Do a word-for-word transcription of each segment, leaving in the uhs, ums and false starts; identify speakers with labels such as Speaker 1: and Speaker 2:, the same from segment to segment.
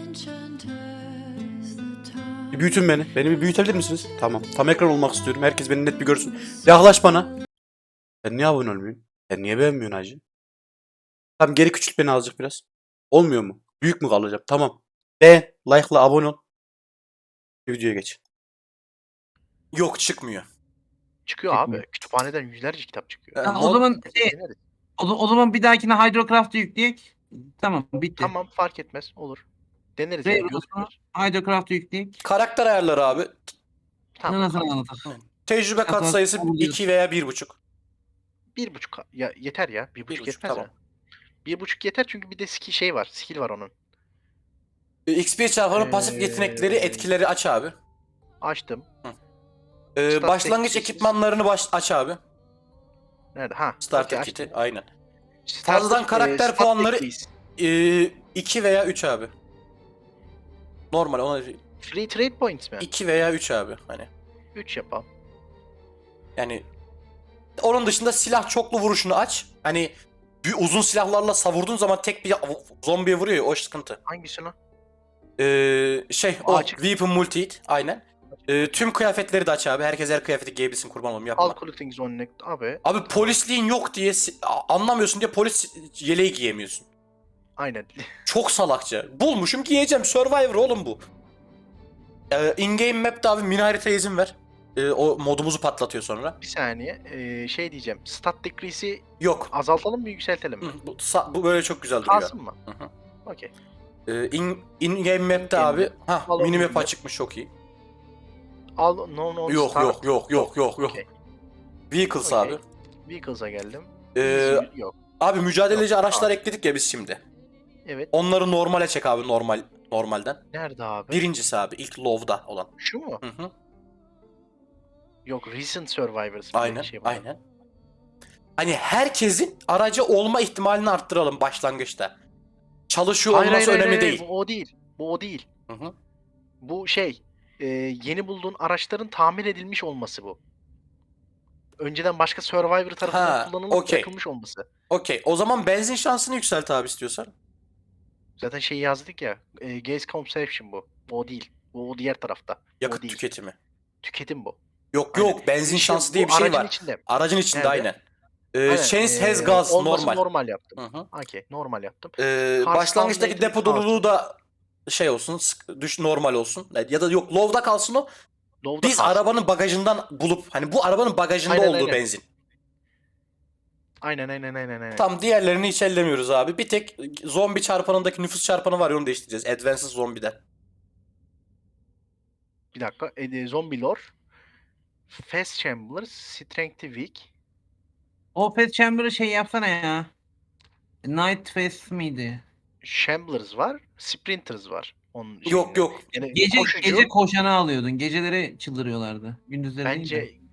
Speaker 1: Bir büyütün beni. Beni bir büyütebilir misiniz? Tamam. Tam ekran olmak istiyorum. Herkes beni net bir görsün. Yaklaş bana. Sen niye abone olmuyorsun? Sen niye beğenmiyorsun hacı? Tamam, geri küçült beni azıcık biraz. Olmuyor mu? Büyük mü kalacağım? Tamam. Beğen, like'la abone ol. Videoya geç.
Speaker 2: Yok, çıkmıyor.
Speaker 3: Çıkıyor
Speaker 4: Çıkmıyor.
Speaker 3: abi. Kütüphaneden yüzlerce kitap çıkıyor.
Speaker 2: Yani
Speaker 4: Ha, o zaman şey,
Speaker 3: Deneriz.
Speaker 4: o, o zaman bir dahakine Hydrocraft'ı yükleyek. Tamam, bitti.
Speaker 3: Tamam, fark etmez. Olur. Deneriz
Speaker 4: Ray
Speaker 3: yani.
Speaker 4: Rose'u
Speaker 3: Gözükür.
Speaker 4: Hydrocraft'ı yükleyek.
Speaker 2: Karakter ayarları abi.
Speaker 3: Tamam.
Speaker 4: Nasıl
Speaker 3: tamam.
Speaker 4: anlatalım?
Speaker 2: Tecrübe
Speaker 4: Zaten
Speaker 2: katsayısı
Speaker 4: kabul ediyoruz.
Speaker 2: iki veya bir buçuk.
Speaker 3: Bir buçuk. Ya yeter ya. Bir buçuk
Speaker 2: buçuk,
Speaker 3: yetmez
Speaker 2: tamam.
Speaker 3: ya. Bir buçuk yeter çünkü bir de skill şey var. Skill var onun.
Speaker 2: X P çarpanı pasif yetenekleri,
Speaker 3: Ee,
Speaker 2: etkileri aç abi.
Speaker 3: Açtım.
Speaker 2: Ee,
Speaker 3: Start
Speaker 2: başlangıç
Speaker 3: teknik-
Speaker 2: ekipmanlarını baş aç abi.
Speaker 3: Nerede? Ha.
Speaker 2: Starter
Speaker 3: okey,
Speaker 2: kiti,
Speaker 3: açtım.
Speaker 2: aynen.
Speaker 3: Starter,
Speaker 2: Fazladan karakter
Speaker 3: e, stat
Speaker 2: puanları
Speaker 3: decrease.
Speaker 2: Ee, iki veya üç abi. Normal ona
Speaker 3: Free trade points mi?
Speaker 2: iki veya üç abi hani.
Speaker 3: üç yapalım.
Speaker 2: Yani onun dışında silah çoklu vuruşunu aç. Hani bir uzun silahlarla savurduğun zaman tek bir zombiye vuruyor ya, o sıkıntı.
Speaker 3: Hangisini?
Speaker 2: Ee, şey o
Speaker 3: Açık.
Speaker 2: weapon multi hit aynen. Ee, tüm kıyafetleri de aç abi. Herkes her kıyafeti giyebilsin, kurban olayım, yapma.
Speaker 3: All collecting zone neck. Abi.
Speaker 2: Abi polisliğin yok diye si- a- anlamıyorsun diye polis yeleği giyemiyorsun.
Speaker 3: Aynen.
Speaker 2: Çok salakça. Bulmuşum, giyeceğim. Survivor oğlum bu. Ee, in-game map'te abi mini haritaya izin ver. Ee, o modumuzu patlatıyor sonra.
Speaker 3: Bir saniye. Ee, şey diyeceğim. Stat decrease'i
Speaker 2: Yok.
Speaker 3: azaltalım mı yükseltelim mi?
Speaker 2: Hı, bu, sa- bu böyle çok güzel duruyor.
Speaker 3: Kalsın mı?
Speaker 2: Hı hı.
Speaker 3: Okey.
Speaker 2: Ee, in, in-game map'te
Speaker 3: In-game
Speaker 2: abi.
Speaker 3: map.
Speaker 2: Ha,
Speaker 3: Al
Speaker 2: mini
Speaker 3: onu
Speaker 2: map
Speaker 3: yükle.
Speaker 2: açıkmış, çok iyi.
Speaker 3: Al no no
Speaker 2: Yok
Speaker 3: start.
Speaker 2: yok yok yok yok yok.
Speaker 3: Okey.
Speaker 2: Vehicles
Speaker 3: Okey.
Speaker 2: abi.
Speaker 3: Vehicles'a geldim.
Speaker 2: Ee,
Speaker 3: Easy yok.
Speaker 2: abi mücadeleci
Speaker 3: Yok,
Speaker 2: araçlar
Speaker 3: abi.
Speaker 2: ekledik ya biz şimdi.
Speaker 3: Evet.
Speaker 2: Onları normale çek abi, normal normalden.
Speaker 3: Nerede abi?
Speaker 2: Birincisi abi ilk low'da olan.
Speaker 3: Şu mu?
Speaker 2: Hı hı.
Speaker 3: Yok, Recent Survivors. bir
Speaker 2: Aynen
Speaker 3: şey var.
Speaker 2: aynen. Hani herkesin aracı olma ihtimalini arttıralım başlangıçta. Çalışıyor
Speaker 3: Hayır,
Speaker 2: olması
Speaker 3: hayır, hayır,
Speaker 2: önemli
Speaker 3: hayır,
Speaker 2: değil.
Speaker 3: Bu o değil. Bu o değil.
Speaker 2: Hı hı.
Speaker 3: Bu şey. e, yeni bulduğun araçların tamir edilmiş olması bu. Önceden başka Survivor tarafından
Speaker 2: Ha,
Speaker 3: kullanılıp
Speaker 2: okey.
Speaker 3: bırakılmış olması.
Speaker 2: Okey. O zaman benzin şansını yükselt abi istiyorsan.
Speaker 3: Zaten şeyi yazdık ya. E, Gas Consumption bu. Bu o değil. Bu o diğer tarafta. Bu
Speaker 2: Yakıt
Speaker 3: o değil.
Speaker 2: tüketimi.
Speaker 3: Tüketim bu.
Speaker 2: Yok
Speaker 3: Aynen.
Speaker 2: yok, benzin
Speaker 3: İşte
Speaker 2: şansı
Speaker 3: bu
Speaker 2: diye bir şey
Speaker 3: aracın
Speaker 2: var.
Speaker 3: içinde.
Speaker 2: Aracın içinde
Speaker 3: Nerede?
Speaker 2: aynen. Ee,
Speaker 3: Aynen,
Speaker 2: Chance has
Speaker 3: e,
Speaker 2: gas
Speaker 3: olması
Speaker 2: normal.
Speaker 3: normal yaptım.
Speaker 2: Hı hı.
Speaker 3: Okey, normal yaptım.
Speaker 2: Ee,
Speaker 3: Cars
Speaker 2: başlangıçtaki
Speaker 3: Foundation
Speaker 2: depo
Speaker 3: kalsın.
Speaker 2: doluluğu da şey olsun, sık- düş normal olsun. Ya da yok, low'da kalsın o.
Speaker 3: Low'da
Speaker 2: Biz
Speaker 3: kalsın.
Speaker 2: arabanın bagajından bulup hani bu arabanın bagajında
Speaker 3: Aynen,
Speaker 2: olduğu
Speaker 3: aynen.
Speaker 2: benzin.
Speaker 3: Aynen aynen aynen aynen.
Speaker 2: Tam diğerlerini hiç ellemiyoruz abi. Bir tek zombi çarpanındaki nüfus çarpanı var ya, onu değiştireceğiz. Advanced Zombi'den.
Speaker 3: Bir dakika. E, zombie lore. Fast Chamber. Strength Weak.
Speaker 4: O Fast Chamber'ı şey yapsana ya. Night Fast miydi?
Speaker 3: Shamblers var. Sprinters var. Onun
Speaker 2: Yok
Speaker 3: şeyinde.
Speaker 2: yok.
Speaker 3: Yani
Speaker 4: Gece
Speaker 3: koşucu,
Speaker 4: gece koşanı alıyordun. Geceleri çıldırıyorlardı. Gündüzleri değil de.
Speaker 3: bence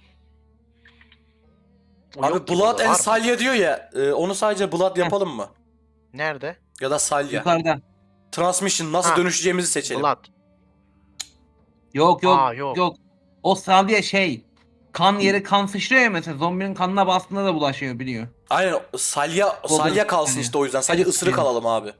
Speaker 3: O yok
Speaker 2: Abi
Speaker 3: ki
Speaker 2: Blood
Speaker 3: burada,
Speaker 2: and
Speaker 3: var mı?
Speaker 2: Salya diyor ya. e, onu sadece Blood yapalım mı?
Speaker 3: Nerede?
Speaker 2: Ya da Salya.
Speaker 4: Yukarıda.
Speaker 2: Transmission, nasıl
Speaker 3: Ha,
Speaker 2: dönüşeceğimizi seçelim.
Speaker 3: Blood.
Speaker 4: Yok yok
Speaker 3: Aa,
Speaker 4: yok.
Speaker 3: yok.
Speaker 4: O salya şey. Kan yeri kan sıçrıyor ya mesela. Zombinin kanına bastığında da bulaşıyor biliyor.
Speaker 2: Aynen, Salya
Speaker 4: Golden
Speaker 2: Salya kalsın
Speaker 4: Salya.
Speaker 2: işte, o yüzden. Sadece
Speaker 4: Evet,
Speaker 2: ısırık
Speaker 4: yani.
Speaker 2: alalım abi.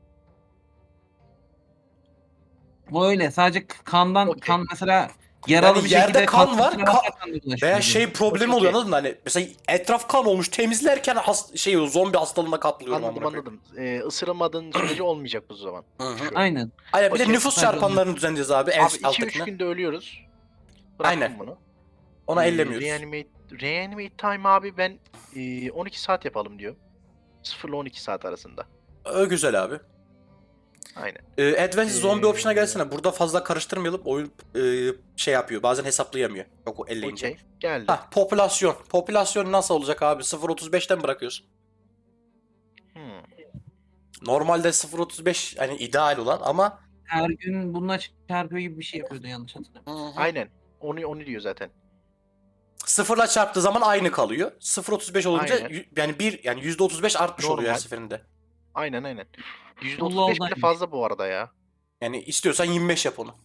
Speaker 4: O öyle. Sadece kandan
Speaker 3: Okey.
Speaker 4: kan mesela yaralı
Speaker 2: Yani
Speaker 4: bir
Speaker 2: yerde
Speaker 4: şekilde
Speaker 2: kan var,
Speaker 4: sıçraya
Speaker 2: ka-
Speaker 4: basarsan da bulaşıyor
Speaker 2: Veya
Speaker 4: diyor.
Speaker 2: şey problemi
Speaker 3: Okey,
Speaker 2: oluyor,
Speaker 3: okey.
Speaker 2: anladın mı? Hani mesela etraf kan olmuş, temizlerken has- şey zombi hastalığına kaplıyorum.
Speaker 3: Anladım
Speaker 2: amına koyayım.
Speaker 3: anladım. Ee, ısıramadığın sürece olmayacak bu zaman.
Speaker 2: Hı hı.
Speaker 3: Şu.
Speaker 4: Aynen.
Speaker 2: Aynen, bir de
Speaker 3: Okey,
Speaker 2: nüfus
Speaker 4: sadece
Speaker 2: çarpanlarını düzenleyeceğiz abi, en
Speaker 3: Abi iki üç
Speaker 2: alttakine.
Speaker 3: günde ölüyoruz. Bıraktım
Speaker 2: Aynen.
Speaker 3: bunu.
Speaker 2: Ona
Speaker 3: Ee,
Speaker 2: ellemiyoruz.
Speaker 3: Reanimate, reanimate time abi ben e, on iki saat yapalım diyor. sıfır ile on iki saat arasında.
Speaker 2: Ö, güzel abi.
Speaker 3: Aynen.
Speaker 2: Ee, Advanced Zombie
Speaker 3: Ee,
Speaker 2: option'a gelsene. Burada fazla karıştırmayalım. Oyun e, şey yapıyor. Bazen hesaplayamıyor. Yok, o elleyince.
Speaker 3: Okey. Geldi.
Speaker 2: Hah, popülasyon. Popülasyon nasıl olacak abi? sıfır virgül otuz beşten bırakıyorsun.
Speaker 3: Hmm.
Speaker 2: Normalde sıfır virgül otuz beş hani ideal olan ama
Speaker 4: Her gün bununla çarpıyor gibi bir şey yapıyordu yanlış hatırlamıyorum.
Speaker 3: Aynen. Onu onu diyor zaten.
Speaker 2: sıfırla çarptığı zaman aynı kalıyor. sıfır virgül otuz beş olunca
Speaker 3: Aynen.
Speaker 2: y- yani bir yani yüzde otuz beş artmış oluyor her
Speaker 3: Normal.
Speaker 2: seferinde.
Speaker 3: Aynen aynen. yüzde
Speaker 4: Allah
Speaker 3: otuz beş bile
Speaker 4: Allah.
Speaker 3: fazla bu arada ya.
Speaker 2: Yani istiyorsan yirmi beş yap onu.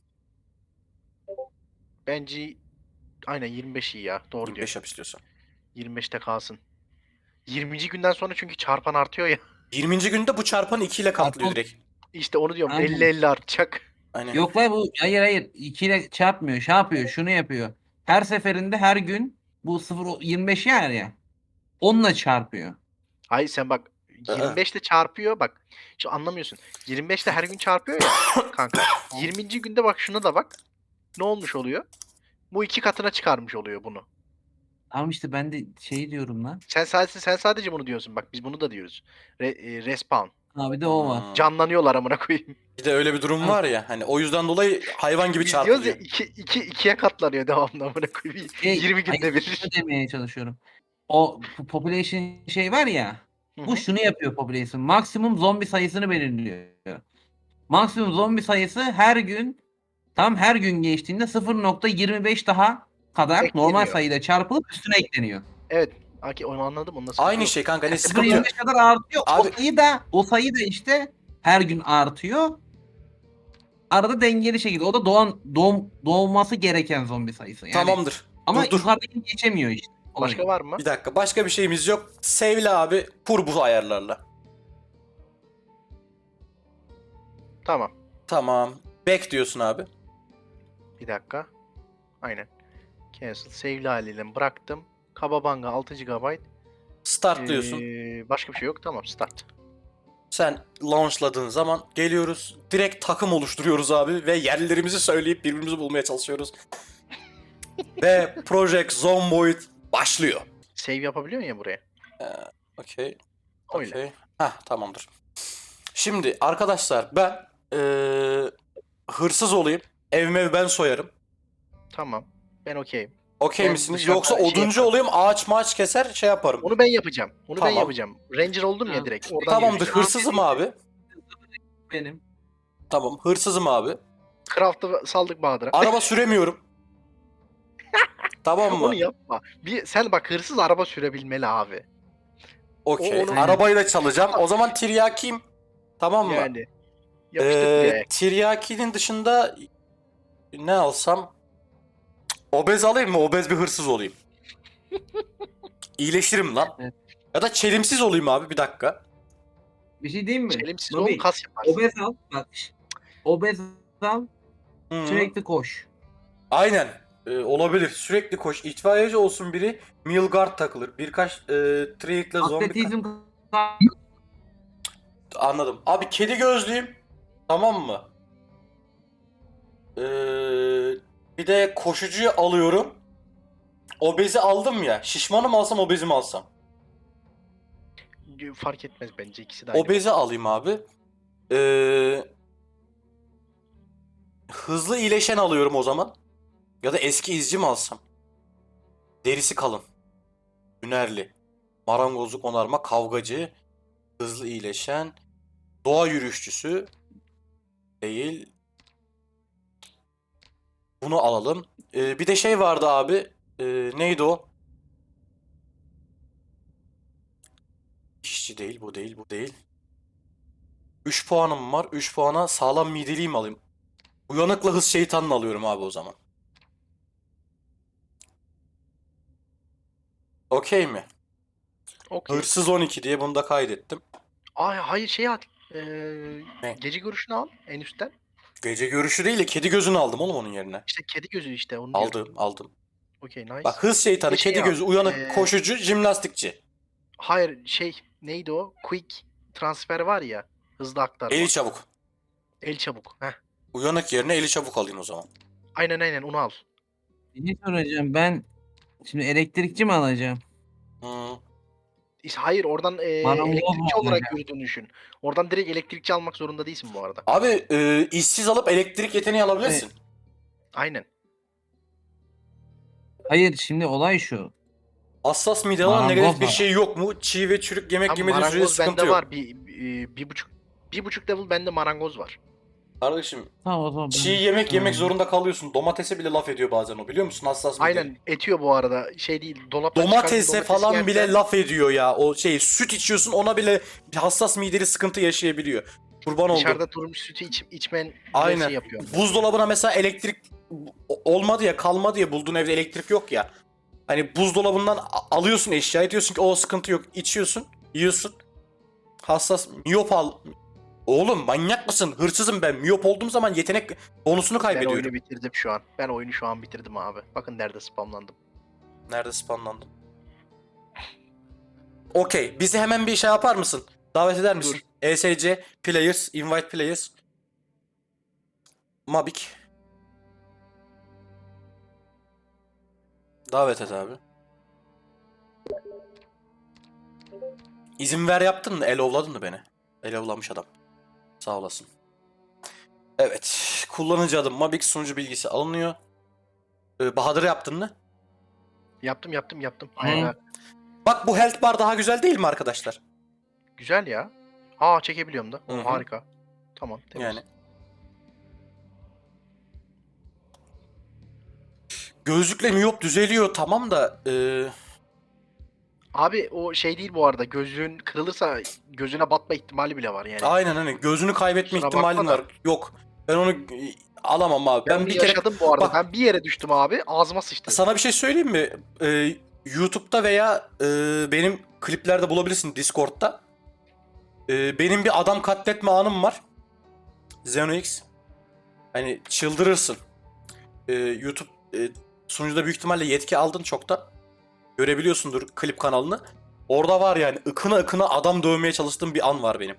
Speaker 3: Bence aynen yirmi beş iyi ya. Doğru
Speaker 2: yirmi
Speaker 3: diyor.
Speaker 2: beş yap istiyorsan.
Speaker 3: yirmi beşte kalsın. yirminci günden sonra çünkü çarpan artıyor ya.
Speaker 2: yirminci günde bu çarpanı iki ile katlıyor
Speaker 4: Çarpan-
Speaker 2: direkt.
Speaker 3: İşte onu diyorum
Speaker 4: Aynen.
Speaker 3: elli elli artacak.
Speaker 2: Hani
Speaker 4: Yok lan bu hayır hayır iki ile çarpmıyor. Şey yapıyor şunu yapıyor. Her seferinde her gün bu sıfır yirmi beş yer ya. Onunla çarpıyor.
Speaker 3: Hayır sen bak yirmi beşte çarpıyor bak. Şu anlamıyorsun. yirmi beşte her gün çarpıyor ya kanka. yirminci günde bak şuna da bak. Ne olmuş oluyor? Bu iki katına çıkarmış oluyor bunu.
Speaker 4: Ama işte ben de şey diyorum lan.
Speaker 3: Sen sadece sen sadece bunu diyorsun. Bak biz bunu da diyoruz. Re, e, respawn.
Speaker 4: Ha bir de o var.
Speaker 2: Hmm.
Speaker 3: Canlanıyorlar amına koyayım.
Speaker 2: Bir de öyle bir durum
Speaker 4: Ha.
Speaker 2: var ya. Hani o yüzden dolayı hayvan gibi
Speaker 3: Biz diyoruz ya
Speaker 2: çarpılıyor.
Speaker 3: iki, iki, ikiye katlanıyor devamlı amına koyayım.
Speaker 4: Şey,
Speaker 3: yirmi günde
Speaker 4: hayır,
Speaker 3: bir.
Speaker 4: şunu demeye çalışıyorum. O po- population şey var ya.
Speaker 3: Hı
Speaker 4: Bu
Speaker 3: hı.
Speaker 4: şunu yapıyor population. Maksimum zombi sayısını belirliyor. Maksimum zombi sayısı her gün tam her gün geçtiğinde sıfır nokta yirmi beş daha kadar
Speaker 3: Ekleniyor.
Speaker 4: normal sayıyla çarpılıp üstüne ekleniyor.
Speaker 3: Evet. Aki onu anladım. Ondan
Speaker 2: Aynı şey kanka. Ne sıkıntı yok.
Speaker 4: sıfır nokta yirmi beş kadar artıyor.
Speaker 2: Abi-
Speaker 4: O sayı da o sayı da işte her gün artıyor. Arada dengeli şekilde. O da doğan doğum, doğması gereken zombi sayısı. Yani,
Speaker 2: Tamamdır.
Speaker 4: ama
Speaker 2: dur dur.
Speaker 4: yukarıdakini geçemiyor işte. Olay
Speaker 3: Başka
Speaker 4: o.
Speaker 3: var mı?
Speaker 2: Bir dakika. Başka bir şeyimiz yok. Sevle abi. Kur bu ayarlarla.
Speaker 3: Tamam.
Speaker 2: Tamam. Back diyorsun abi.
Speaker 3: Bir dakika. Aynen. Cancel. Save'li haliyle bıraktım. Kababanga altı gigabayt.
Speaker 2: Start diyorsun.
Speaker 3: Ee, başka bir şey yok. Tamam start.
Speaker 2: Sen launchladığın zaman geliyoruz. Direkt takım oluşturuyoruz abi ve yerlerimizi söyleyip birbirimizi bulmaya çalışıyoruz. Ve Project Zomboid başlıyor.
Speaker 3: Save yapabiliyorsun ya buraya.
Speaker 2: Okey.
Speaker 3: Öyle.
Speaker 2: Okey. Heh, tamamdır. Şimdi arkadaşlar ben eee, hırsız olayım. Evime ben soyarım.
Speaker 3: Tamam. Ben okeyim.
Speaker 2: Okey
Speaker 3: Ben
Speaker 2: misiniz?
Speaker 3: dışarıda
Speaker 2: Yoksa
Speaker 3: şey
Speaker 2: oduncu
Speaker 3: yaparım.
Speaker 2: olayım, ağaç maaç keser şey yaparım.
Speaker 3: Onu ben yapacağım. Onu
Speaker 2: Tamam.
Speaker 3: ben yapacağım. Ranger oldum ya
Speaker 4: Tamam.
Speaker 3: direkt. Oradan
Speaker 2: Tamamdır.
Speaker 3: yürüyeceğim.
Speaker 2: Hırsızım abi.
Speaker 4: Benim.
Speaker 2: Tamam. Hırsızım abi.
Speaker 3: Craft'ı saldık Bahadır'a.
Speaker 2: Araba süremiyorum. Tamam mı?
Speaker 3: Onu yapma. Bir, sen bak hırsız araba sürebilmeli abi.
Speaker 2: Okey.
Speaker 3: O- onu-
Speaker 2: Arabayı da çalacağım. O zaman tiryakiyim. Tamam mı?
Speaker 3: Yani. Yapıştır
Speaker 2: Ee,
Speaker 3: buraya.
Speaker 2: tiryakinin dışında ne alsam? Obez alayım mı? Obez bir hırsız olayım. İyileşirim lan.
Speaker 4: Evet.
Speaker 2: Ya da çelimsiz olayım abi bir dakika.
Speaker 4: Bir şey diyeyim mi?
Speaker 3: Çelimsiz
Speaker 4: Nobi,
Speaker 3: ol kas yaparsın.
Speaker 4: obez al. Bak. şş, Obez al.
Speaker 2: Hı.
Speaker 4: Sürekli koş.
Speaker 2: Aynen. Ee, olabilir. Sürekli koş. İtfaiyeci olsun biri. Meal takılır. Birkaç e, trade'le zombi...
Speaker 4: Atletizm
Speaker 2: Anladım. Abi kedi gözlüyüm. Tamam mı? Ee, bir de koşucuyu alıyorum. Obezi aldım ya. Şişmanı mı alsam obezi mi alsam?
Speaker 3: Fark etmez bence ikisi de aynı.
Speaker 2: Obezi alayım abi. Ee, hızlı iyileşen alıyorum o zaman. Ya da eski izci mi alsam? Derisi kalın. Hünerli. Marangozluk onarma, kavgacı. Hızlı iyileşen. Doğa yürüyüşçüsü. Değil. Bunu alalım. Ee, bir de şey vardı abi. Ee, neydi o? İşçi değil, bu değil, bu değil. üç puanım var. üç puana sağlam mideliği mi alayım? Uyanıkla hız şeytanını alıyorum abi o zaman. Okey mi?
Speaker 3: Okey.
Speaker 2: Hırsız on iki diye bunu da kaydettim.
Speaker 3: Ay hayır şey at. Ee,
Speaker 2: Ne?
Speaker 3: gece görüşünü al en üstten.
Speaker 2: Gece görüşü değil de kedi gözünü aldım oğlum onun yerine.
Speaker 3: İşte kedi gözü işte onu diyorum.
Speaker 2: Aldım, aldım.
Speaker 3: Okey nice.
Speaker 2: Bak hız şeytanı,
Speaker 3: Bir şey
Speaker 2: kedi
Speaker 3: al.
Speaker 2: gözü, uyanık,
Speaker 3: Ee,
Speaker 2: koşucu, jimnastikçi.
Speaker 3: Hayır şey neydi o? Quick transfer var ya. Hızlı aktarma.
Speaker 2: Eli çabuk.
Speaker 3: El çabuk. Heh.
Speaker 2: Uyanık yerine eli çabuk alayım o zaman.
Speaker 3: Aynen aynen onu al.
Speaker 4: Ne soracağım ben? Şimdi elektrikçi mi alacağım?
Speaker 2: Hı.
Speaker 3: İşte hayır oradan e,
Speaker 4: Bana olmaz
Speaker 3: elektrikçi
Speaker 4: mı
Speaker 3: olarak
Speaker 4: hocam?
Speaker 3: yürüdüğünü düşün. Oradan direkt elektrikçi almak zorunda değilsin bu arada.
Speaker 2: Abi e, işsiz alıp elektrik yeteneği alabilirsin.
Speaker 3: Aynen.
Speaker 4: Hayır şimdi olay şu.
Speaker 2: Hassas mide alan
Speaker 4: Marangoz
Speaker 2: negatif bir
Speaker 4: var.
Speaker 2: şey yok mu? Çiğ ve çürük yemek
Speaker 3: Tam
Speaker 2: yemediğin sürece
Speaker 3: marangoz
Speaker 2: sıkıntı
Speaker 3: bende
Speaker 2: yok.
Speaker 3: var. Bir, bir, bir buçuk bir buçuk level bende marangoz var.
Speaker 2: Kardeşim
Speaker 4: Tamam o zaman.
Speaker 2: çiğ
Speaker 4: ben-
Speaker 2: yemek yemek
Speaker 4: Tamam.
Speaker 2: zorunda kalıyorsun. Domatese bile laf ediyor bazen o biliyor musun? Hassas mide.
Speaker 3: Aynen etiyor bu arada. Şey değil dolaptan
Speaker 2: Domatese
Speaker 3: çıkardığın domatesi
Speaker 2: falan
Speaker 3: yersen-
Speaker 2: bile laf ediyor ya. O şey süt içiyorsun ona bile hassas mideli sıkıntı yaşayabiliyor. Kurban oldum.
Speaker 3: Dışarıda durmuş sütü iç, içmen
Speaker 2: Aynen.
Speaker 3: Aynen. yapıyor.
Speaker 2: Buzdolabına mesela elektrik o- olmadı ya kalmadı ya bulduğun evde elektrik yok ya. Hani buzdolabından a- alıyorsun eşyayı diyorsun ki o sıkıntı yok. İçiyorsun, yiyorsun. Hassas miyop al Oğlum manyak mısın? Hırsızım ben. Miyop olduğum zaman yetenek bonusunu
Speaker 3: Ben
Speaker 2: kaybediyorum.
Speaker 3: oyunu bitirdim şu an. Ben oyunu şu an bitirdim abi. Bakın nerede spamlandım.
Speaker 2: Nerede spawnlandın? Okey. Bizi hemen bir şey yapar mısın? Davet eder misin?
Speaker 3: Dur.
Speaker 2: E S C players, invite players. Mabik. Davet et abi. İzin ver yaptın mı? Elovladın mı beni? Elovlamış adam. Sağ olasın. Evet. Kullanıcı adım Mabik, sunucu bilgisi alınıyor. Ee, Bahadır yaptın mı?
Speaker 3: Yaptım yaptım yaptım.
Speaker 4: Hı.
Speaker 3: Aynen.
Speaker 2: Bak bu health bar daha güzel değil mi arkadaşlar?
Speaker 3: Güzel ya. Aa çekebiliyorum da.
Speaker 2: Hı hı.
Speaker 3: Harika. Tamam. Temiz.
Speaker 2: Yani. Gözlükle miyop düzeliyor tamam da e,
Speaker 3: Abi o şey değil bu arada. Gözlüğün kırılırsa gözüne batma ihtimali bile var yani.
Speaker 2: aynen hani gözünü kaybetme
Speaker 3: Kusura
Speaker 2: ihtimalin
Speaker 3: bakma da.
Speaker 2: var. Yok. Ben onu e, alamam abi.
Speaker 3: Ben,
Speaker 2: Ben
Speaker 3: bir
Speaker 2: bir kere
Speaker 3: yaşadım bu arada.
Speaker 2: Bak-
Speaker 3: Ben bir yere düştüm abi. Ağzıma sıçtı.
Speaker 2: sana bir şey söyleyeyim mi? E, YouTube'da veya e, benim kliplerde bulabilirsin Discord'da. E, benim bir adam katletme anım var. ZenoX. Hani çıldırırsın. E, YouTube e, sunucuda büyük ihtimalle yetki aldın çok da. Görebiliyorsundur klip kanalını. Orada var yani ıkına ıkına adam dövmeye çalıştığım bir an var benim.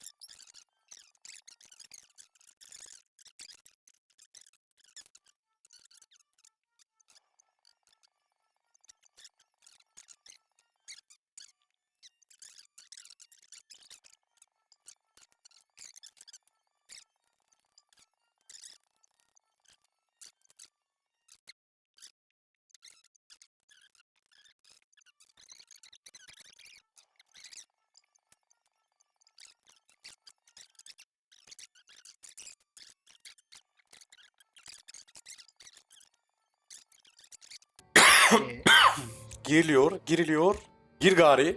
Speaker 3: Ee,
Speaker 2: Giriliyor, giriliyor. Gir gari.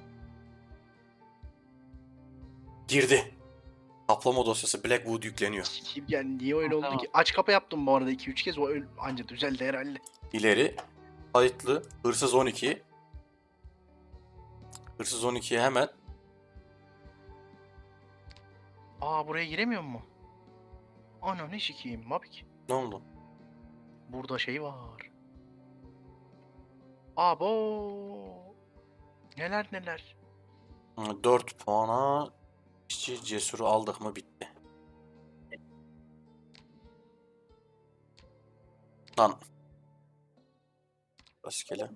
Speaker 2: Girdi. Kaplama dosyası Blackwood yükleniyor.
Speaker 3: Kim yani niye öyle oldu
Speaker 4: Tamam.
Speaker 3: ki? Aç kapa yaptım bu arada iki üç kez. O öyle anca düzeldi herhalde.
Speaker 2: İleri. Kayıtlı. Hırsız on iki. Hırsız on ikiye hemen.
Speaker 3: Aa buraya giremiyor mu? Ana ne sikiyim Mabik.
Speaker 2: Ne oldu?
Speaker 3: Burada şey var. Abo. Neler neler.
Speaker 2: dört puana işçi cesuru aldık mı bitti. Lan. Rastgele.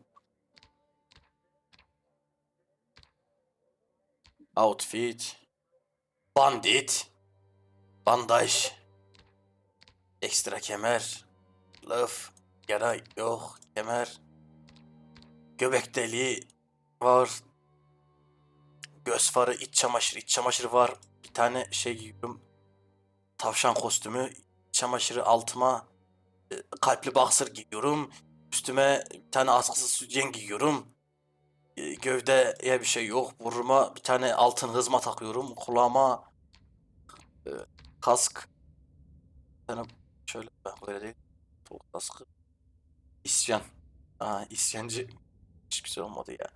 Speaker 2: Outfit. Bandit. Bandaj. Ekstra kemer. Laf. Yara yok. Kemer. Göbek deliği var. Göz farı, iç çamaşırı, iç çamaşırı var. Bir tane şey giyiyorum. Tavşan kostümü. İç çamaşırı altıma e, kalpli boxer giyiyorum. Üstüme bir tane askısız sütyen giyiyorum. E, Gövdeye bir şey yok. Burnuma bir tane altın hızma takıyorum. Kulağıma e, kask. Bir tane şöyle bak böyle değil. Sol kaskı. İsyan. Aa, isyancı. Hiç güzel olmadı ya.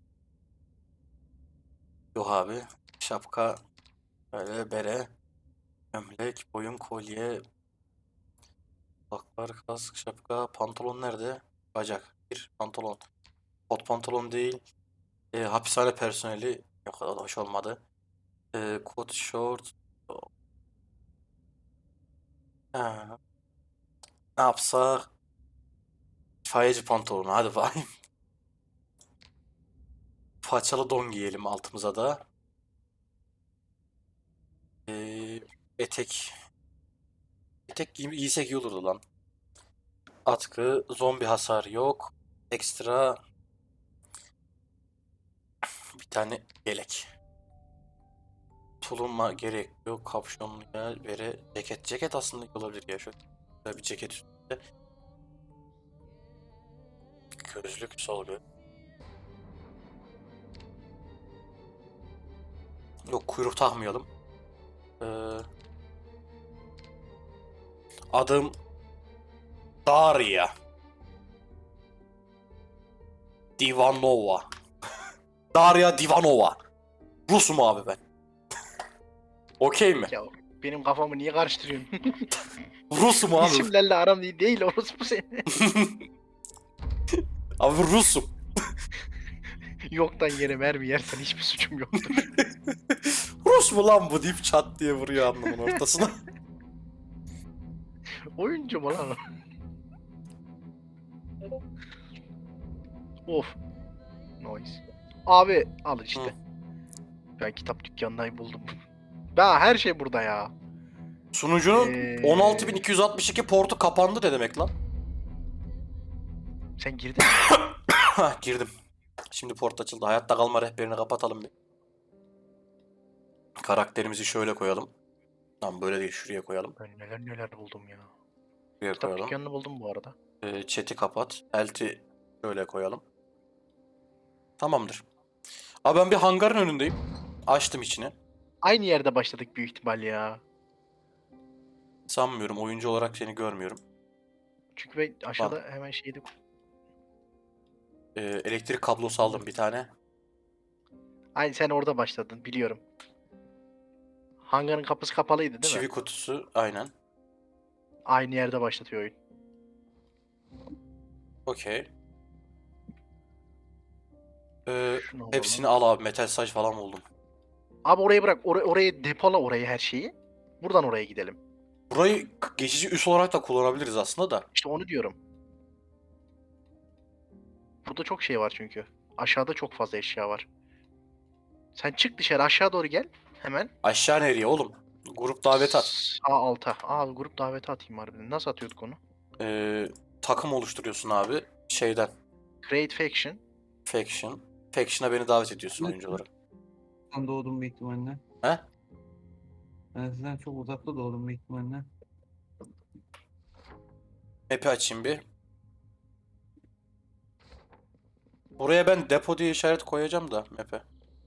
Speaker 2: Yok abi. Şapka. Böyle bere. Gömlek. Boyun kolye. Kulaklar, kask, şapka. Pantolon nerede? Bacak. Bir pantolon. Kot pantolon değil. E, hapishane personeli. Yok o da hoş olmadı. E, kot, short. Ha, ne yapsak? İtfaiyeci pantolonu. Hadi bakayım. Paçalı don giyelim altımıza da. E, etek. Etek giy giysek iyi olurdu lan. Atkı. Zombi hasar yok. Ekstra. Bir tane yelek. Tuluma gerek yok. Kapşonluya vere. Ceket. Ceket aslında iyi olabilir ya. Şöyle güzel bir ceket üstünde. Gözlük sol göz. Yok kuyruk takmayalım. Ee, adım Daria Divanova. Daria Divanova. Rusum abi ben. Okey mi?
Speaker 3: Ya benim kafamı niye karıştırıyorsun?
Speaker 2: Rus'um abi.
Speaker 3: İsimlerle aram iyi değil orospu seni.
Speaker 2: Abi Rus'um.
Speaker 3: Yoktan yere mermi yersen hiçbir suçum yoktur.
Speaker 2: Rus mu lan bu deyip çat diye vuruyor alnımın ortasına.
Speaker 3: Oyuncu mu lan o? Of. Noise. Abi al işte.
Speaker 2: Hı.
Speaker 3: Ben kitap dükkanını buldum. Ben her şey burada ya.
Speaker 2: Sunucunun
Speaker 3: Ee,
Speaker 2: on altı bin iki yüz altmış iki portu kapandı ne demek lan?
Speaker 3: Sen girdin mi?
Speaker 2: Hah, girdim. Şimdi port açıldı. Hayatta kalma rehberini kapatalım bir. Karakterimizi şöyle koyalım. Tamam böyle değil, şuraya koyalım.
Speaker 3: Ben neler neler buldum ya.
Speaker 2: Şuraya
Speaker 3: Kitap
Speaker 2: koyalım.
Speaker 3: dükkanını buldum bu arada.
Speaker 2: Ee, chat'i kapat. Elti şöyle koyalım. Tamamdır. Abi ben bir hangarın önündeyim. Açtım içini.
Speaker 3: Aynı yerde başladık büyük ihtimal ya.
Speaker 2: Sanmıyorum. Oyuncu olarak seni görmüyorum.
Speaker 3: Çünkü ben aşağıda hemen şeydi.
Speaker 2: Ee, elektrik kablosu aldım bir tane.
Speaker 3: Aynı sen orada başladın biliyorum. Hangarın kapısı kapalıydı değil
Speaker 2: Çivi
Speaker 3: mi?
Speaker 2: kutusu. Aynen.
Speaker 3: Aynı yerde başlatıyor oyun.
Speaker 2: Okey. Ee,
Speaker 3: Şunu alalım.
Speaker 2: hepsini al abi. Metal saç falan buldum.
Speaker 3: Abi orayı bırak. Or orayı depola orayı her şeyi. Buradan oraya gidelim.
Speaker 2: Burayı geçici üs olarak da kullanabiliriz aslında da.
Speaker 3: İşte onu diyorum. Burada çok şey var çünkü. Aşağıda çok fazla eşya var. Sen çık dışarı aşağı doğru gel. Hemen.
Speaker 2: Aşağı nereye oğlum? Grup davet at.
Speaker 3: Sağ alta. Aa grup daveti atayım harbiden. Nasıl atıyorduk onu?
Speaker 2: Ee, takım oluşturuyorsun abi. Şeyden.
Speaker 3: Create faction.
Speaker 2: Faction. Faction'a beni davet ediyorsun oyuncu olarak.
Speaker 4: Ben doğdum büyük ihtimalle.
Speaker 2: He?
Speaker 4: Ben sizden çok uzakta doğdum büyük ihtimalle.
Speaker 2: Map'i açayım bir. Buraya ben depo diye işaret koyacağım da map'e.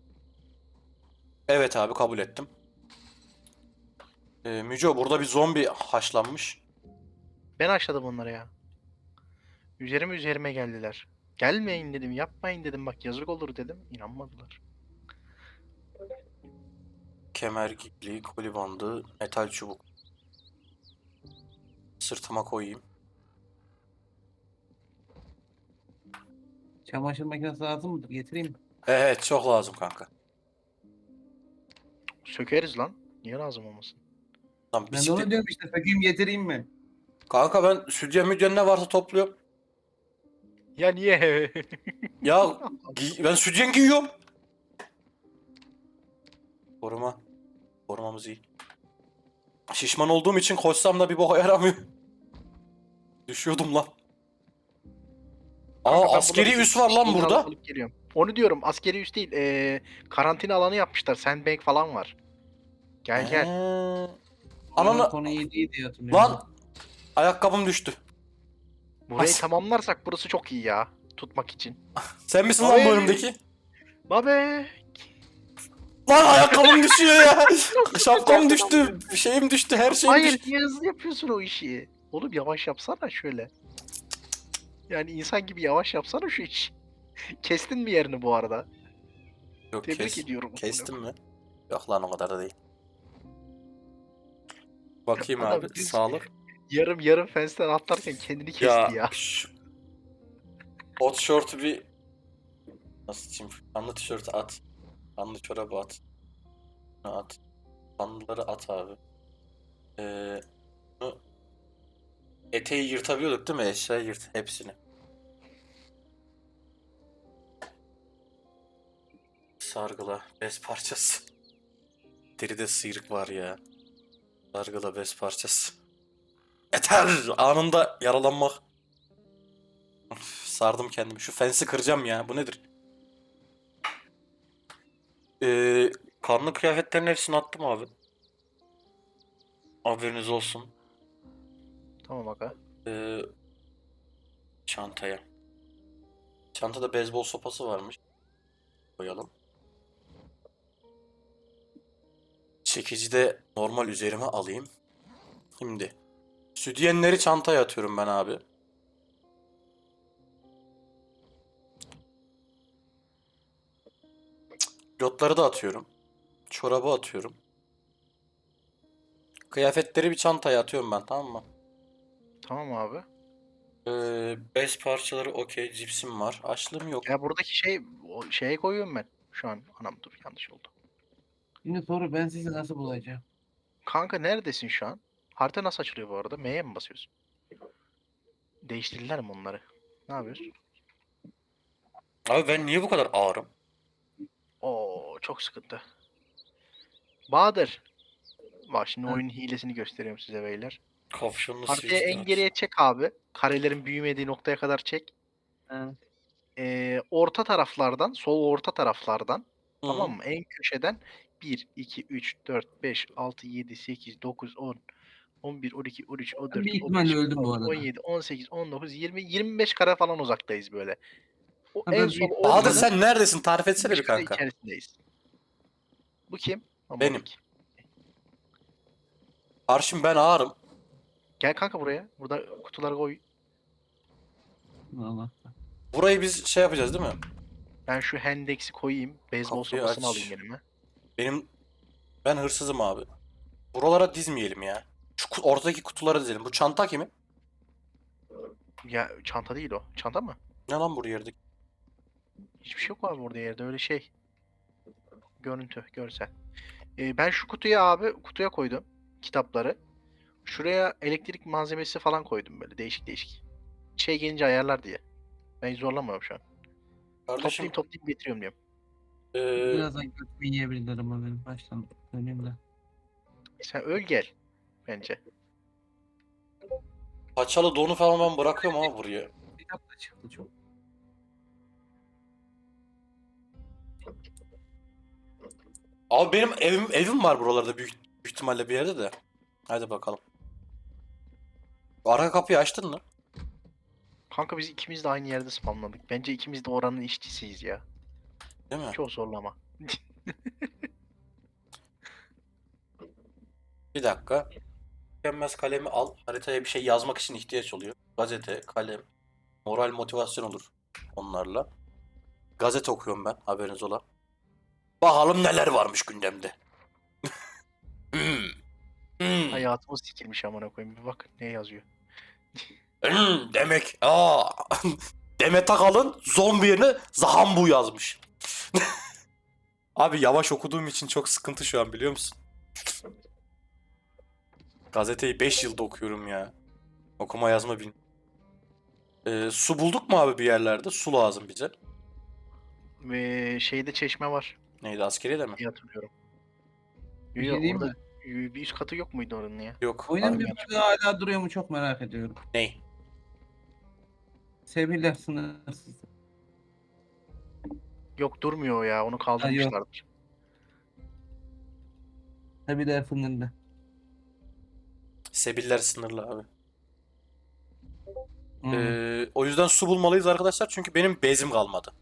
Speaker 2: Evet abi kabul ettim. Ee, Müco burada bir zombi haşlanmış.
Speaker 3: Ben açladım onları ya. Üzerime üzerime geldiler. Gelmeyin dedim, yapmayın dedim. Bak yazık olur dedim. İnanmadılar.
Speaker 2: Kemer, gipli, koli bandı, metal çubuk. Sırtıma koyayım.
Speaker 4: Çamaşır makinesi lazım mıdır? Getireyim mi?
Speaker 2: Evet çok lazım kanka.
Speaker 3: Sökeriz lan. Niye lazım olmasın?
Speaker 2: Lan
Speaker 4: Ben de onu
Speaker 2: bisiklet...
Speaker 4: diyorum işte. Sökeyim getireyim mi?
Speaker 2: Kanka ben sütyen müdyen ne varsa topluyorum.
Speaker 3: Ya niye?
Speaker 2: Ya giy- ben sütyen giyiyorum. Koruma. Korumamız iyi. Şişman olduğum için koşsam da bir boka yaramıyor. Düşüyordum lan.
Speaker 3: Kanka
Speaker 2: Aa
Speaker 3: ben
Speaker 2: askeri
Speaker 3: burada
Speaker 2: üs var lan
Speaker 3: şeyini
Speaker 2: burada.
Speaker 3: alıp alıp geliyorum. Onu diyorum askeri üs değil. Ee, karantina alanı yapmışlar. Sandbag falan var. Gel gel.
Speaker 2: Ee,
Speaker 4: Ananı...
Speaker 2: Ananı...
Speaker 4: Konu iyi değil diye hatırlıyorum.
Speaker 2: Lan! Ayakkabım düştü.
Speaker 3: Burayı
Speaker 2: as-
Speaker 3: tamamlarsak burası çok iyi ya. Tutmak için.
Speaker 2: Sen misin lan
Speaker 3: Ay.
Speaker 2: bu önümdeki?
Speaker 3: Babe.
Speaker 2: Lan ayakkabım düşüyor ya. Şapkam düştü. Şeyim düştü. Her şeyim
Speaker 3: Hayır
Speaker 2: düştü.
Speaker 3: niye hızlı yapıyorsun o işi? Oğlum yavaş yapsana şöyle. Yani insan gibi yavaş yapsana şu iş. Kestin mi yerini bu arada?
Speaker 2: Yok
Speaker 3: Tebrik
Speaker 2: kes.
Speaker 3: ediyorum.
Speaker 2: Kestim mi? Yok lan o kadar da değil. Bakayım
Speaker 3: Adam
Speaker 2: abi.
Speaker 3: düz-
Speaker 2: Sağlık.
Speaker 3: Yarım yarım fensten atlarken kendini kesti
Speaker 2: Ya,
Speaker 3: ya.
Speaker 2: şu hot short'u bir nasıl diyeyim? Kanlı tişörtü at. Kanlı çorabı at. Bunu at. Kanlıları at abi. Ee, bunu eteği yırtabiliyorduk değil mi? Eşyayı yırt hepsini. Sargıla bez parçası. Deride sıyrık var ya. Sargıla bez parçası. Yeter! Anında yaralanmak. Üf, sardım kendimi. Şu fensi kıracağım ya. Bu nedir? Ee, kanlı kıyafetlerin hepsini attım abi. Haberiniz olsun.
Speaker 3: Tamam aga.
Speaker 2: Ee, çantaya. Çantada beyzbol sopası varmış. Koyalım. Çekici de normal üzerime alayım. Şimdi. Sütyenleri çantaya atıyorum ben abi. Pilotları da atıyorum. Çorabı atıyorum. Kıyafetleri bir çantaya atıyorum ben, tamam mı?
Speaker 3: Tamam abi.
Speaker 2: Ee, bez parçaları okey. Cipsim var. Açlığım yok.
Speaker 3: Ya buradaki şey o şeye koyuyorum ben. Şu an anam dur yanlış oldu.
Speaker 4: Şimdi soru ben sizi nasıl bulacağım?
Speaker 3: Kanka neredesin şu an? Harita nasıl açılıyor bu arada? M'ye mi basıyorsun? Değiştirdiler mi onları? Ne yapıyorsun?
Speaker 2: Abi ben niye bu kadar ağırım?
Speaker 3: Oo çok sıkıntı. Bahadır. Bak şimdi
Speaker 4: Ha.
Speaker 3: oyunun hilesini gösteriyorum size beyler.
Speaker 2: Kapşonlu
Speaker 3: Haritayı
Speaker 2: switch
Speaker 3: en
Speaker 2: aç.
Speaker 3: geriye çek abi. Karelerin büyümediği noktaya kadar çek.
Speaker 4: Ha.
Speaker 3: Ee, orta taraflardan, sol orta taraflardan,
Speaker 2: Hı
Speaker 3: tamam
Speaker 2: hı.
Speaker 3: mı? En köşeden bir, iki, üç, dört, beş, altı, yedi, sekiz, dokuz, on, on bir, on iki, on üç, on
Speaker 4: Ben
Speaker 3: dört,
Speaker 4: bir
Speaker 3: on beş,
Speaker 4: ihtimalle öldüm
Speaker 3: on
Speaker 4: bu
Speaker 3: altı, on
Speaker 4: arada.
Speaker 3: yedi, on sekiz, on dokuz, yirmi, yirmi beş kare falan uzaktayız böyle. O
Speaker 4: Ha,
Speaker 3: en
Speaker 4: ben
Speaker 3: sol
Speaker 4: büyük
Speaker 2: Bahadır
Speaker 3: ortanın
Speaker 4: ihtimalle
Speaker 2: sen neredesin? Tarif etsene
Speaker 3: yirmi beş
Speaker 2: bir
Speaker 3: kare
Speaker 2: kanka.
Speaker 3: içerisindeyiz. Bu kim?
Speaker 2: Benim.
Speaker 3: Mamolik.
Speaker 2: Karşım ben ağırım.
Speaker 3: Gel kanka buraya. Burada kutuları koy.
Speaker 4: Allah.
Speaker 2: Burayı biz şey yapacağız değil mi?
Speaker 3: Ben şu Hendex'i koyayım. Beyzbol
Speaker 2: Kapıyı
Speaker 3: sopasını
Speaker 2: aç.
Speaker 3: alayım elime.
Speaker 2: Benim ben hırsızım abi. Buralara dizmeyelim ya. Şu ku- ortadaki kutulara dizelim. Bu çanta kimin?
Speaker 3: Ya çanta değil o. Çanta mı?
Speaker 2: Ne lan bu yerdeki?
Speaker 3: Hiçbir şey yok abi orada yerde öyle şey. Görüntü, görsel. Ee, ben şu kutuya abi kutuya koydum kitapları. Şuraya elektrik malzemesi falan koydum böyle değişik değişik. Şey gelince ayarlar diye. Ben zorlamıyorum şu an.
Speaker 2: Kardeşim
Speaker 3: Toplayayım toplayayım getiriyorum diyorum.
Speaker 2: eee,
Speaker 4: Birazdan götümü yiyebilirim ama benim baştan döneyim de.
Speaker 3: Sen öl gel bence.
Speaker 2: paçalı donu falan ben bırakıyorum ama buraya.
Speaker 4: Kitap da çıktı çok.
Speaker 2: Abi benim evim evim var buralarda büyük, büyük ihtimalle bir yerde de. Hadi bakalım. Arka kapıyı açtın mı?
Speaker 3: Kanka biz ikimiz de aynı yerde spamladık. Bence ikimiz de oranın işçisiyiz ya.
Speaker 2: Değil mi?
Speaker 3: Çok zorlama.
Speaker 2: Bir dakika. Tükenmez kalemi al. Haritaya bir şey yazmak için ihtiyaç oluyor. Gazete, kalem, moral motivasyon olur onlarla. Gazete okuyorum ben, haberiniz ola. Bakalım neler varmış gündemde. Hmm, hmm,
Speaker 3: Hayatımız sikilmiş amına koyayım. Bir bak ne yazıyor.
Speaker 2: hmm, demek. Aa. Demet Akalın zombi yerine Zahambu yazmış. Abi yavaş okuduğum için çok sıkıntı şu an biliyor musun? Gazeteyi beş yılda okuyorum ya. Okuma yazma bil. Ee, su bulduk mu abi bir yerlerde? Su lazım bize.
Speaker 3: Ve şeyde çeşme var
Speaker 2: Neydi, askeriyede mi?
Speaker 3: diye hatırlıyorum.
Speaker 4: Bir
Speaker 3: Yo,
Speaker 4: şey
Speaker 3: yo,
Speaker 4: diyeyim
Speaker 3: orada
Speaker 4: mi?
Speaker 3: y- bir üst katı yok muydu oranın ya?
Speaker 2: Yok.
Speaker 4: Oyunun
Speaker 2: Abi,
Speaker 4: bir bölümü hala duruyor mu çok merak ediyorum.
Speaker 2: ney?
Speaker 4: Sevgililer sınırsız.
Speaker 3: Yok durmuyor o ya. Onu kaldırmışlardır.
Speaker 4: Sevgililer sınırlı.
Speaker 2: Sebiller sınırlı abi.
Speaker 4: Hmm.
Speaker 2: Ee, o yüzden su bulmalıyız arkadaşlar çünkü benim bezim kalmadı.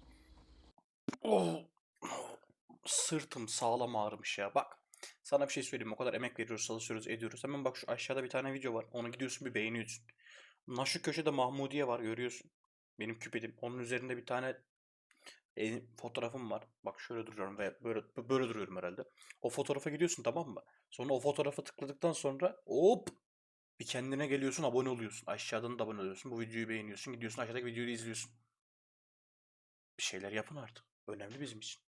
Speaker 2: Oh. Sırtım sağlam ağrımış ya. Bak. Sana bir şey söyleyeyim. O kadar emek veriyoruz, çalışıyoruz, ediyoruz. Hemen bak şu aşağıda bir tane video var. Onu gidiyorsun bir beğeniyorsun. Lan şu köşede Mahmudiye var görüyorsun. Benim küpedim. Onun üzerinde bir tane e, fotoğrafım var. Bak şöyle duruyorum ve böyle böyle duruyorum herhalde. O fotoğrafa gidiyorsun, tamam mı? Sonra o fotoğrafa tıkladıktan sonra hop bir kendine geliyorsun, abone oluyorsun. Aşağıdan da abone oluyorsun. Bu videoyu beğeniyorsun. Gidiyorsun aşağıdaki videoyu izliyorsun. Bir şeyler yapın artık. Önemli bizim için.